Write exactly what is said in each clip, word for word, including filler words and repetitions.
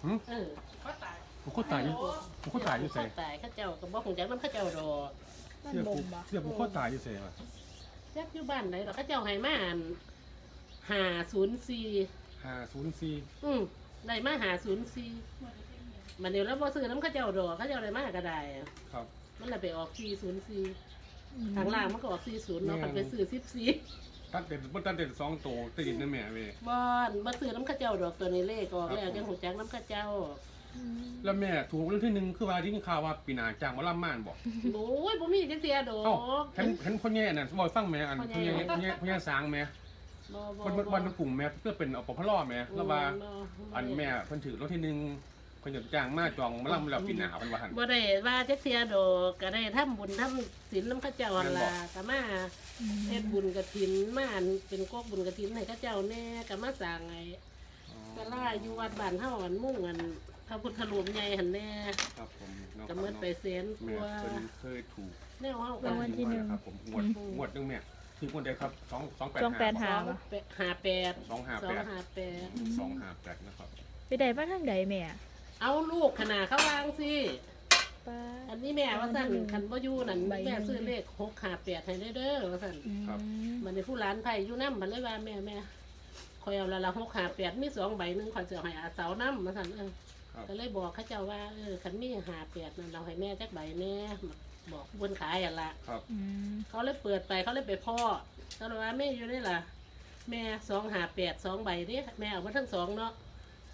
เออเขาตายผมก็ตายอยู่ผมก็ตายอยู่ใส่เขาตายเขาเจ้าก็บ่คงจักนำเขาเจ้าดอกมันเสียบ่ผมบ่เสียผมก็ตายอยู่ใส่ว่ะจักอยู่บ้านไหนดอกเขาเจ้าให้มาอันห้าศูนย์สี่ห้าศูนย์สี่อืมได้มาห้าศูนย์สี่มันเดี๋ยวแล้วบ่ซื้อนำเขาเจ้าดอกเขาเจ้าได้มาก็ได้ครับมันเลยไปออกสี่ศูนย์สี่ทางล่างมันก็ออกสี่ศูนย์เนาะมันไปซื้อสิบสี่ตัดเด็ดมันตัดเด็ดสองตัวติดนั่นแม่เว้ยบอนบ่ซื้อน้ำข้าเจ้าดอกตัวนี้เลขออกแล้วจังหูจักน้ำข้าเจ้าแล้วแม่ถูกเรื่องที่หนึ่งคือว่าที่ข่าวว่าปีหน้าจ้างหมาล่ำม่านบอกโอ้ยบ่มีจังเสียดอเอ้าก เห็นเห็นพ่อแง่น่ะบอกฟังแม่อันพ่พ่ออแง่แง่พ่อแง่พ่อแง่สางแม่บ่บ่วันวันวันกลุ่มแม่เพื่อเป็นอปพลแม่แล้วว่าบ่อันแม่เพิ่นถือรถที่หนึ่งเพิ่นจะจ้างมาจองหมาล่ำแล้วปีหน้าเพิ่นว่าหั่นบ่ได้ว่าจักเสียดอกก็ได้ทำบุญทำศีลน้ำข้าเจ้าหั่นล่ะก็มาเฮ็ดบุญกฐินมาอันเป็นกอกบุญกฐินให้ข้าเจ้าแน่ก็มาสร้างไอ้ศาลาอยู่วัดบ้านเฮาอันมุ่งอันพระพุทธรูปใหญ่หั่นแน่ครับผมน้องก็หมดไปแสนกแม่ว่าเพิ่นเคยถูกแนวเฮาก็รางวัลที่หนึ่งครับผมงวดงวดหนึงแม่คืองวดใดครับสองสองแปดสองแปดห้าห้าห้าแปดสองห้าสอแปงดห้าแปดสองห้าแปดนะครับไปได้มาทางใดแม่เอาลูกขนาดเขาวางสิป้าอันนี้แม่ว่าสั่นคันบ่อยู่นั่นใบหนึ่งแม่ซื้อเลขหกห้าแปดให้ได้เด้อว่าสั่นอืมมันในผู้ร้านไผ่อยู่นำมันเลยว่าแม่แม่คอยเอาละละหกห้าแปดมีสองใบหนึงคอยจะเอาให้อาเสานำว่าสั่นเออครับก็เลยบอกเขาเจ้าว่าเออคันมีห้าแปดนั่นเราให้แม่จักใบแน่บอกบนขายอ่ะละครับอืมเขาเลยเปิดไปเขาเลยไปพ่อเขาเลยว่าแม่อยู่นี่ล่ะ แม่สองห้าแปดสองใบเด้แม่เอามาทั้งสองเนาะ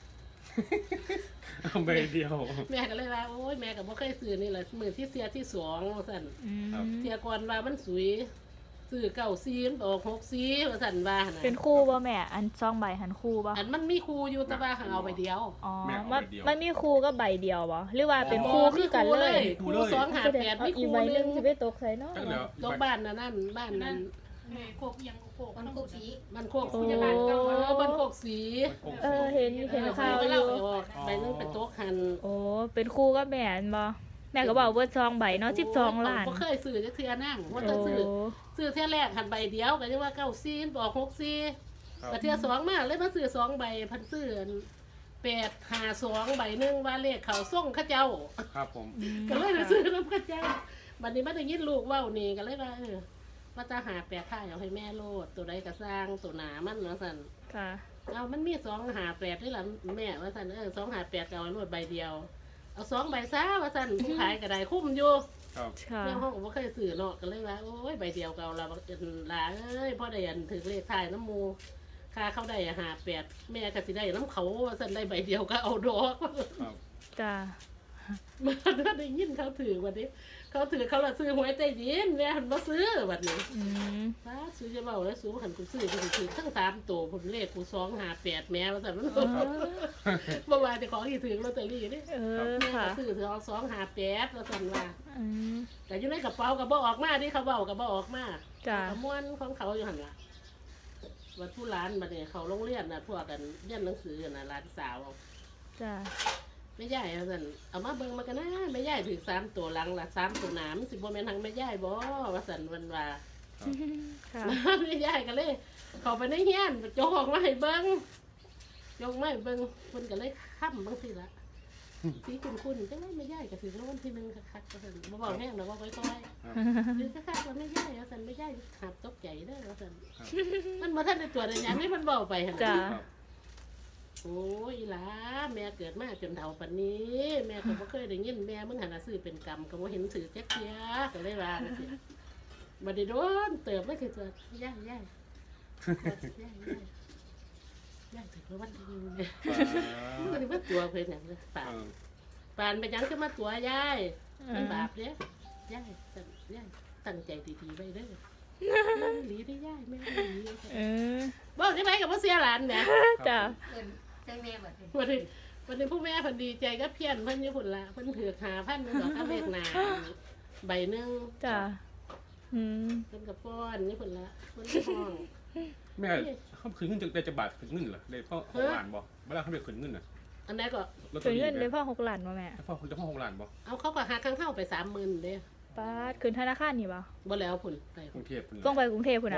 เอาใบเดียวแม่ก็เลยว่าโอ้ยแม่ก็บ่เคยซื้อนี่แหละมือที่เสียที่สองว่าซั่นอืมครับเสียก่อนว่ามันสวยซื้อเก้าซีมันออกหกซีว่าซั่นว่าน่ะเป็นคู่บ่แม่ อันซองใบหันคู่บ่อันมันมีครูอยู่แต่ว่าหาเอาไปเดียวอ๋อแม่เอามันใบเดียวมันมีคู่ก็ใบเดียวบ่หรือว่าเป็นคู่คือกันเลยครูสองหาแปดเอามีคอีรูกใบหหนึนึงงสิไปตกใส่เนาะจังแล้วตกบ้านน่ะนั่นบ้านนั้นโคกยังโคกมันโคกสีมันโคกโอ้พยาบาลเก่าเออบ้านโคกสีเออเห็นเห็นข่าวไปอเล่ายู่ไปออกใบนึงเป็นโต๊ะคันโอ้เป็นคู่ก็แม่นบ่แม่ก็บอกเบิดซองใบเนาะสิบสองล้านบ่เคยซื้อจักเทื่อนั่งว่าโอ้จะซื้อซื้อเทื่อแรกหันใบเดียวก็จะว่าเก้าซีออกหกซีครับก็เทื่อสองมาเลยมาซื้อสองใบพันซื้อแปดหาสองใบหนึงว่าเลขเขาส่งเข้าเจ้าครับผมก็เลยไปซื้อน้ำเข้าเจ้าบัดนี้มาได้ยินลูกเว้านี่ก็เลยว่าเออว่าจะหาแปดท่าเอาให้แม่โลดตัวใดก็สร้างตัวหนามันว่าซั่นค่ะเอามันมีสองหาแปดด้วยล่ะแม่ว่าซั่นเออสองหาแปดก็เอาโลดใบเดียว เอาสองใบซะว่าซั่นผู้ขายก็ได้คุ้มอยู่ครับค่ะเรื่องห้องก็บ่เคยซื้อเนาะก็เลยว่าโอ้ยใบเดียวก็เอาละบักเอิ้นหลาเอ้ยพอได้อันถึงเลขท้ายน้ำหมูค่าเขาได้หาแปดแม่ก็สิได้น้ำเขาว่าซั่นได้ใบเดียวก็เอาดอกครับจ้ามาได้ยินเขาถือวันนี้ เขาถือเขาละซื้อหวยใต้ดินแม่หันมาซื้อวันนี้อืมฟ้าซื้อจะเบาแล้วซื้อหันกูซื้อกูถือทั้งสามตัวผมเลขกูสองหาแปดแม่ว่าซั่นมันอ๋อเมื่อวานเจะของที่ถือลอตเตอรี่นี่เออแม่ค่ะก็ซื้อถือเอาสองหาแปดว่าซั่นว่าอืมแต่อยู่ในกระเป๋าก็บ่ออกมาที่เขาเบาก็บ่ออกมาจ้ะกระม้วนของเขาอยู่หั่นล่ะวันผู้ร้านบัดนี้เขาโรงเรียนน่ะพวกกันเรียนหนังสือน่ะร้านสาวจ้าไม่ใหญ่เอาสั่นเอามาเบิ่งมากันนะไม่ใหญ่ถึงสามตัวหลังละสามตัวหนามนสิบ่แม่นทางไม่ใหญ่บ่ว่าสั่นวันว่าค่ะไม่ใหญ่ก็เลย เข้าไปในเฮียนโจกออกมาให้เบิ่งโจกมาให้เบิ่งเพิ่นก็เลยค้ำบางทีละสีคุ้นๆจังได๋ไม่ใหญ่ก็ถึงรางวัลที่หนึ่งคักๆว่าซั่นบ่เว้าแห้งดอกว่าค่อยๆหรือคักๆว่าไม่ใหญ่ว่าซั่นไม่ใหญ่หับตกใจเด้อว่าซั่นมันบ่ทันได้ตัวจได้หยังนี่มันเว้าไปหั่นจ้าน่ะครับโอ้ยอีหล่ะแม่เกิดมาจนเฒ่าปานนี้ แม่ก็บ่เคยได้ยินแม่มึงหันน่ะซื้อเป็นกรรมก็บ่เห็นถือจักเที่ยก็เลยว่าจังซี่บ่ได้โดนเติบไม่คือตัวย่ายย่ายย่ายย่ายย่ายถึงแล้ววันที่หนึงเนี่ยมันก็นี่ว่าตัวเพิ่นหยังเลยปาเอน อปานไปหยังจะมาตัวยายเอมันอบาปเด้ย่ายตั้งย่ายตั้งใจดีๆไว้เด้อแม่หลีได้ย่ายแม่หลีเออบอกได้ไหมกับว่าเสียหลานแหมจ้าเอิ้นใส่แม่บัดนี้วันนี้วันนี้ผู้แม่เพันดีใจก็เพี้ยนเพิ่นอยู่พุ่นละเพิ่นถือหาพันหนึงดอกก็เลขหนาใบหนึงจ้าอืมเพิ่นกับป้อนนี่พุ่นละเพิ่นก็ห้องแม่เขาคืนเงินจากได้จะบาทคืนเงินเหรอได้พ่อหกล้านบ่เวลาเขาได้คืนเงินน่ะอันนั้นก็ลอตตอคืนรี่เงินได้แม่พ่อหกล้านบ่แม่พ่อเขาจะพ่อหกล้านบ่เอาเขาก็หาข้างเท่าไปสามหมื่นเด้ป้าดคืนธนาคารนี่บ่บ่แล้วพุ่นไปกรุงเทพฯพุ่นต้องไปกรุงเทพพุ่นเพน่ะราะ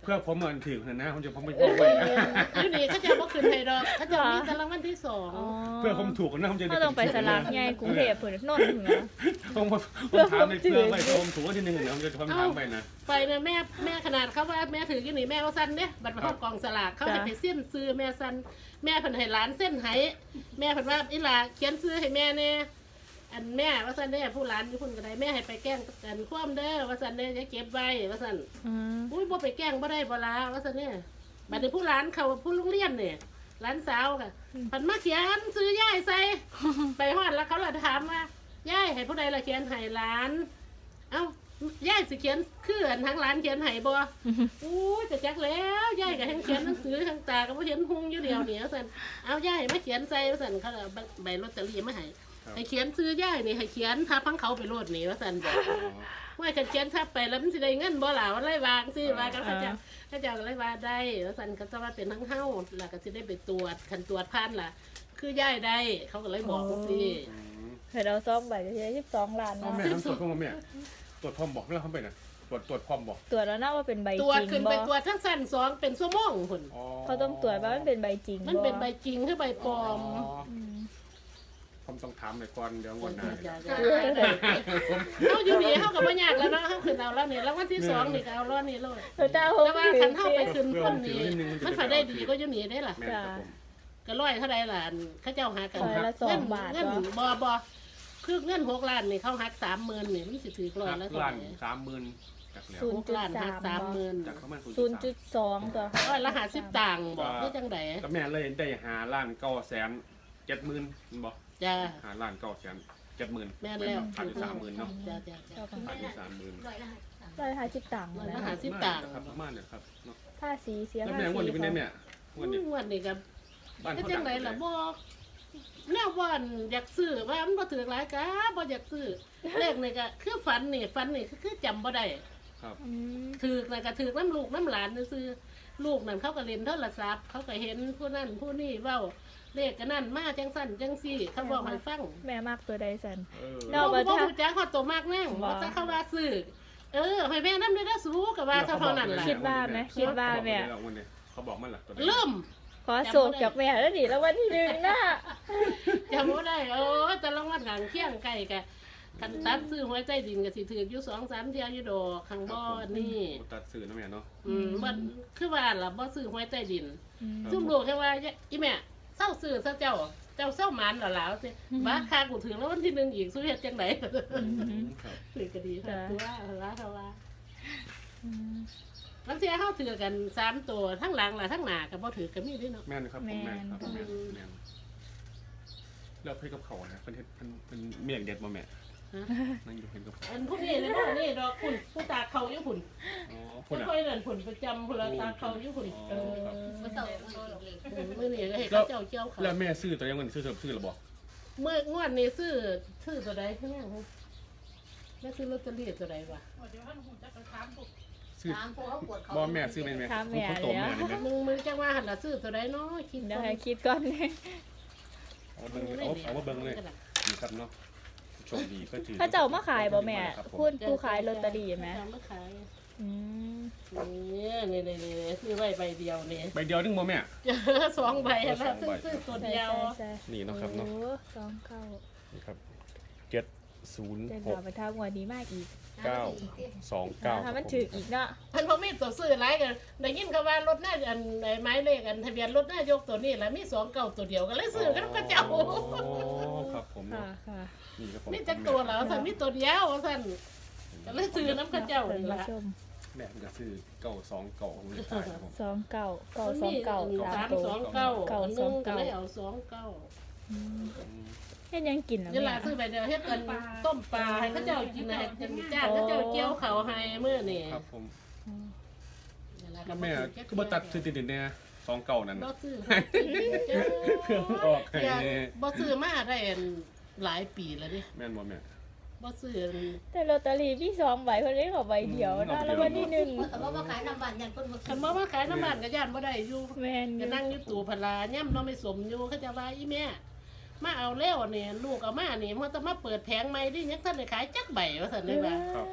เพื่อผมเหมือนถือนะผมจะผมไปบอกไว้นะอยู่นี่เขาจะบ่ขึ้นให้ดอกเขาจะมีแต่รางวัลที่สองอ๋อเพื่อผมถูกนะผมจะเขาต้องไปสลากใหญ่กรุงเทพพุ่นนนท์พุ่นนะผมผมผมถามในเพื่อไปผมถูกว่าที่หนึ่งนะผมจะผมถามไปนะไปนะแม่แม่ขนาดเขาว่าแม่ถืออยู่นี่แม่ว่าสั้นเด้บัตรประกอบกองสลากเขาให้ไปเส้นซื้อแม่สั้นแม่เพิ่นให้หลานเส้นให้แม่เพิ่นว่าอีหล่าเขียนซื้อให้แม่แน่อันแม่ว่าสั้นเด้ผู้หลานอยู่พุ่นก็ได้แม่ให้ไปแกล้งกันคว่ำเด้อว่าสั้นเด้จะเก็บไว้ว่าสั้นอืมอุ้ยบ่ไปแกล้งบ่ได้บ่ลาว่าซั่นเนี่ยบัดนี้ผู้หลานเขาผู้โรงเรียนเนี่ยหลานสาวค่ะเพิ่นมาเขียนซื้อยายใส่ ไปฮอดแล้วเขาละถามว่ายายให้ผู้ใดละเขียนให้หลาน เอ้ายายสิเขียนคืออันทั้งหลานเขียนให้บ่อู้ยจะจักแล้วยายก็ทั้งเขียนหนังสือทั้งตาก็บ่เห็นหุงอยู่เดียวนี่ว่าซั่นเอายายมาเขียนใส่ว่าซั่นเขาเอาใบลอตเตอรี่มาให้ให้เขียนซื้อยายนี่ให้เขียนทับพังเขาไปโลดนี่ว่าซั่นบอก ว่าฉันเขียนทับไปแล้วมันสิได้เงินบ่ล่ะว่าไรวางสิว่ากันเขาเจ้าเขาเจ้าก็เลยว่าได้แล้วสันก็จะว่าเป็นทั้งเฮาแล้วก็สิได้ไปตรวจคันตรวจพันล่ะ คือย่ายได้เขาก็เลยบอกว่าสิให้เราซองใบก็สิได้สิบสองล้านพ่อเนาะแม่ต้องตรวจพ่อแม่ตรวจพร้อมบอกแล้วเขาไปนะตรวจตรวจพร้อมบอกตรวจแล้วนะว่าเป็นใบตรวจจริขึ้นงไปบ่ตรวจทั้งสั้นสองเป็นชั่วโมงพุ่นเขาต้องตรวจว่ามันเป็นใบจริงบ่มันเป็นใบจริงคือใบปลอมมผมต้องถามเลยก่อนเดี๋ยวงวดหน้าเขาอยู่นี่เขาก็บ่ยากแล้วเนาะเขาขึ้นเอาแล้วนี่แล้ววันที่สองนี่ก็เอาแล้วนี่เลยแล้วเจ้าแต่ว่าคันเฮาไปขึ้นคนนี้มันฝ่ายได้ดีก็อยู่นี่ได้ล่ะแม่ครับผมก็ร้อยเท่าไรล่ะเขาเจ้าหากันร้อยละสองบาทเงินเหรอบ่บ่คือเงินหกล้านนี่เขาหักสามหมื่นนี่มันสิถือร้อยละเท่าล้าไหนร่สามหมื่นจากแล้วศูนหย์กล้านหักสามหมื่นจากเขามาศูนย์จุดสองตัวร้อยละห้าสิบตังค์บอกคือจังไดก็แม่เลยได้หาล้านเก้าแสนเจ็ดหมื่นบอกจ้าหาล้านเก้าแสนเจ็ดหมื่นแม่นแล้วขาดอยู่สามหมื่นเนาะจ้าจ้าจ้าขาดอยู่สามหมื่นร้อยห้าสิบตังค์ร้อยนะละห้าสิบตังค์ครับประมาณเนี่ยครับเนาะภาษีเสียแล้วภาแม่งวดษีนี้เป็นไงแม่งวดนี้งวดนี่ก็บ้านก็เขาจัดังงไดล่ะบอกแนวบ่อนอยากซื้อว่ามันบ่ถือหลายกะบ่อยากซื้อเลขนี่ก็คือฝันนี่ฝันนี่คือจำบ่ได้ครับอืมถือกนะก็ถือกน้ำลูกน้ำหลานซื้อลูกนั่นเขาก็เล่นโทรศัพท์เขาก็เห็นผู้นั่นผู้นี่เว้าเลขกันนั่นมาจังสั่นจังซี่เขาบอกให้ฟังแม่มากตัวใดสันเออเนาะเราบ่รู้จักเขาโตมากแน่งว่าว่าถ้าเขาว่าซื้อเออให้แม่นำได้สู้กับว่าเท่านั้นล่ะคิดว่าไหมคิดว่าแม่เขาบอกมันล่ะตัวเริ่มขอโศกจากแม่แล้วดิแล้ววันที่หนึ่งนะจำบ่ได้โอ้แต่ละวันข้างเคียงใกล้กะคันตัดซื้อหวยใต้ดินก็สิถืออยู่สองสามเที่ยอยู่ดอกข้างบ่อนี่ตัดสื่อนะแม่เนาะอืมมันคือว่าล่ะบ่ซื้อหวยใต้ดินอืมซุ่มลูกแค่ว่าอีแม่เศร้าซื้อซะเจ้า เจ้าเศร้าหมันเหรอล่ะสิบ้าคากูถึงแล้ววันที่หนึ่งอีกสู้เฮ็ดจังไดครับถือก็ดีค่ะตัวว่าว่าเขาว่าอืมบางทีเฮาถือกันสามตัวทั้งหลังล่ะทั้งหน้าก็บ่ถือก็มีเด้เนาะแม่นครับผมแม่นครับแม่นแม่นแล้วเพื่อนกับเขานะเพิ่นเฮ็ดเพิ่นเพิ่นเมียงเด็ดบ่แม่ฮะนั่งอยู่เห็นกับเขาอันพวกนี้เลยว่านี่ดอกคุณผู้ตาเขาอยู่พุ่นอ๋อผู้พุ่นอ่ะค่อยนั่นพุ่นประจำพุ่นละตาเขาอยู่พุ่นเออมาเต่าโดนหลอกเล็กมื้อนี้ก็ให้เขาเจ้าเจียวเขาแล้วแม่ซื้อตัวยังเงินซื้อซื้อหรือบ่เมื่องวดนี้ซื้อซื้อตัวใดคือหยังแม่ซื้อลอตเตอรี่ตัวใดวะเดี๋ยวท่านหูจะกระทำปุ๊บซื้อถามพวกเขาปวดเขาบ่แม่ซื้อแม่นแม่คนโตแม่นี่แม่มึงมึงจังว่าหั่นล่ะซื้อตัวใดเนาะคิดเดี๋ยวก่อนให้คิดก่อนเอาเบิ่งเอาเอามาเบิ่งเลยนี่ครับเนาะโชคดีก็ถือถ้าเจ้ามาขายบ่แม่ครับผมพูดผู้ขายลอตเตอรี่ไหมเอามาขายอืมนี่นี่นี่นี่ซื้อไว้ใบเดียวนี่ใบเดียวนึงบ่แม่เจอสองใบแล้วสองซื้ใบอซื้อตัวใช่เดียวใช่ใช่นี่เนาะครับเนาะโอ้สองเก้านี่ครับเจ็ดศูนย์เดินหทาก งไปทางวันนี้มากอีกเก้าสองเก้าถ้ามันถืออีกเนาะพันพอมีตัวซื้อหลายกันได้ยินเขาว่ารถหน้าอันไอ้ไม้เลขอันทะเบียนรถหน้ายกตัวนี้แหละมีสองเก่าตัวเดียวก็เลยซื้อกันก็เจ้าโอ้ครับผมค่ะเนาะค่ะนี่ครับผมมีจักตัวแล้วสันมีตัวเดียวสันก็เลยซื้อน้ำกระเจ้าท่านนี่ผู้ละชมแม่ก็ซื้อเก้าสองเก้าของเลยตายครับผมสองเก้าเก้าสองเก้าสามตัวสองเก้าเก้าอันสนึองงก็เก้าเลยเอาสองเก้าอืมเฮ็ดหยังกินเหรอนี่แม่ละซื้อไปเดียวเฮ็ดกันต้มปลาให้เขาเจ้ากินนะให้จ้างเขาเจ้าเกี่ยวเขาให้เมื่อนี่ครับผมอืมนี่ล่ะแม่ก็บ่ตัดซื้อติดๆเนี่ยสองเก้านั่นบ่น่ะซื้อเครื่องออกให้บ่ซื้อมาได้หลายปีแล้วดิแม่นบ่แม่บ่ซื้อแต่ลอตเตอรี่พี่สองใบเพิ่นเลยขอใบเดียวอืนะมแล้ววันที่หนึ่งแต่ว่ามาขายน้ำบันยันคนมาคันมาว่าขายน้ำมันก็ย่านบ่ได้อยู่แม่นอก็ยู่นั่งอยู่ตู่พลาย่ำเนาะไม่สมอยู่เขาจะว่าอีแม่มาเอาแล้วนี่ลูกเอามานี่มันต้องมาเปิดแผงใหม่ดิยังท่านได้ขายจักใบว่าซั่นเลยว่าครับ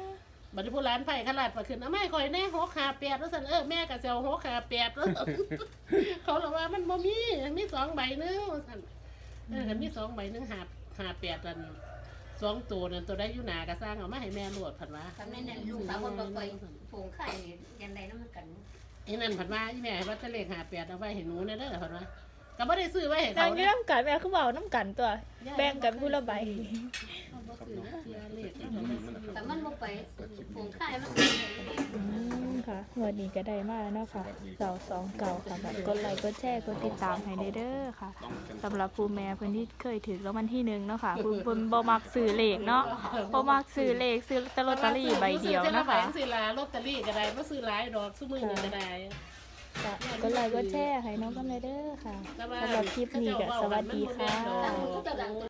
บัดนี้ผู้ร้านไผ่ขลาดประขึ้นเอาไม่คอยแน่หกขาแปดแล้วสันเออแม่ก็เซลหกขาแปดแล้ว เขาเลยว่ามันบ่มีมีสองใบหนึงว่าซั่นเออคันมีสองใบหนึงหาหาแปดอันสองตัวนั่นตัวได้อยู่หน้าก็สร้างเอามาให้แม่โลดผันว่าทำในนั้นลูกสาวคนบ่ปล่อยผงไข่นี่ยันใดน้ำมันกันไอ้นั่นผันว่าอีแม่ให้ว่าจะเลขหาแปดเอาไว้ให้หนูเนี่ยเด้อผันว่าก็บ่ได้ซื้อไว้ให้นาเขางอยู่น้ำกันแม่คือเว้าน้ำกันตัว แบ่งกันผู้ละใบเขาบ่ซื้อนะเสียเลขแต่มันบ่ไปผงไข่มันอืมค่ะงวันนี้ก็ได้มาแล้วเนาะค่ะเสาสองเก่าค่ะแบบกดไลค์กดแชร์กดติดตามให้เด้อค่ะสำหรับผู้แม่เพิ่นที่เคยถือรางวัลที่หนึ่งเนาะค่ะเพิ่นเพิ่นบ่มักซื้อเลขเนาะบ่มักซื้อเลขซื้อแต่ลอตเตอรี่ใบเดียวนะคะซื้อลาลอตเตอรี่ก็ได้บ่ซื้อหลายดอกซุมื้อนี้ก็ได้ก็กดไลค์กดแชร์ให้น้องกันเลยเด้อค่ะสำหรับคลิปนี้ก็สวัสดีค่ะตั้งมันก็จะดัง